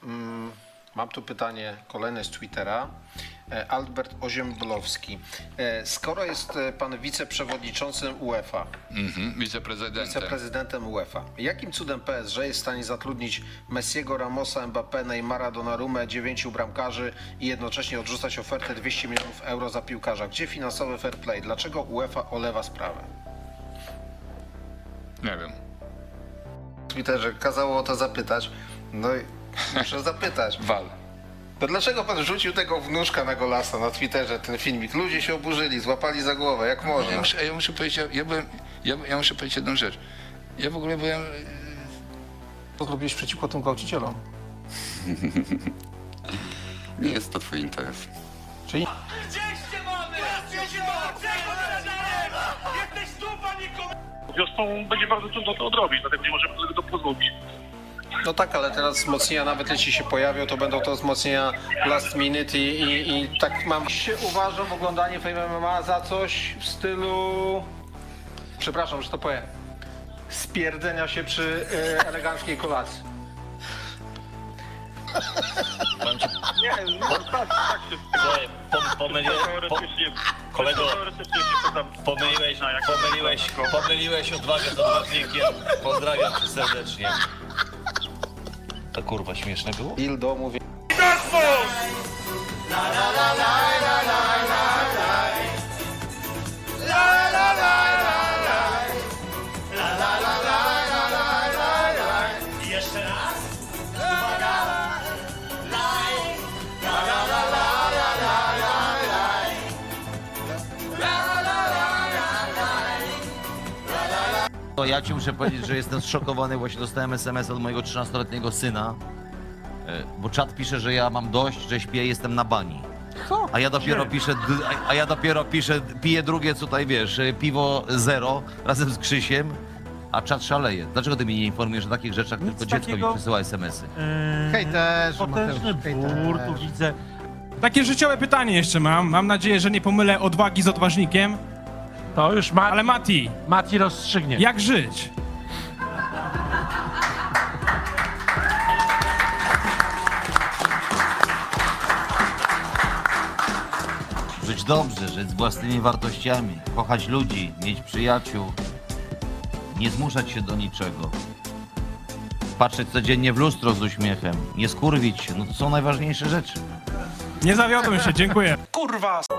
Mam tu pytanie kolejne z Twittera. Albert Oziemblowski. Skoro jest pan wiceprzewodniczącym UEFA, wiceprezydentem UEFA, jakim cudem PSG jest w stanie zatrudnić Messiego, Ramosa, Mbappé, Neymara, Donnarumę, 9 bramkarzy i jednocześnie odrzucać ofertę 200 milionów euro za piłkarza? Gdzie finansowy fair play? Dlaczego UEFA olewa sprawę? Nie wiem. W Twitterze kazało o to zapytać. No i muszę zapytać. Wal. To dlaczego pan rzucił tego wnuczka na Golasa na Twitterze, ten filmik? Ludzie się oburzyli, złapali za głowę, jak można. Ja muszę powiedzieć, ja muszę powiedzieć jedną rzecz. Ja w ogóle byłem... Co zrobiłeś przeciwko tym gwałcicielom? Nie jest to twój interes. Czyli... Wiosną będzie bardzo trudno to odrobić, dlatego nie możemy tego pozwolić. No tak, ale teraz wzmocnienia, nawet jeśli się pojawią, to będą to wzmocnienia last minute i tak mam się uważam oglądanie Fame MMA za coś w stylu... Przepraszam, że to powiem. Spierdzenia się przy eleganckiej kolacji. Nie, no tak się Słuchaj, pomyliłeś, teoretycznie... kolego, Teoretycznie się to tam... pomyliłeś odwagę z odważnikiem. Pozdrawiam cię serdecznie. To kurwa śmieszne było? Ildo mówi... Jeszcze raz? To ja ci muszę powiedzieć, że jestem zszokowany, właśnie dostałem SMS od mojego 13-letniego syna, bo czat pisze, że ja mam dość, że śpię, jestem na bani. A ja dopiero piszę, piję drugie, tutaj wiesz, piwo zero razem z Krzysiem, a czat szaleje. Dlaczego ty mnie nie informujesz o takich rzeczach, tylko dziecko mi przesyła SMS-y? Potężny bór, tu widzę. Takie życiowe pytanie jeszcze mam. Mam nadzieję, że nie pomylę odwagi z odważnikiem. To już Ale Mati, rozstrzygnie. jak żyć? Żyć dobrze, żyć z własnymi wartościami, kochać ludzi, mieć przyjaciół, nie zmuszać się do niczego. Patrzeć codziennie w lustro z uśmiechem, nie skurwić się, no to są najważniejsze rzeczy. Nie zawiodłem się, dziękuję. Kurwa!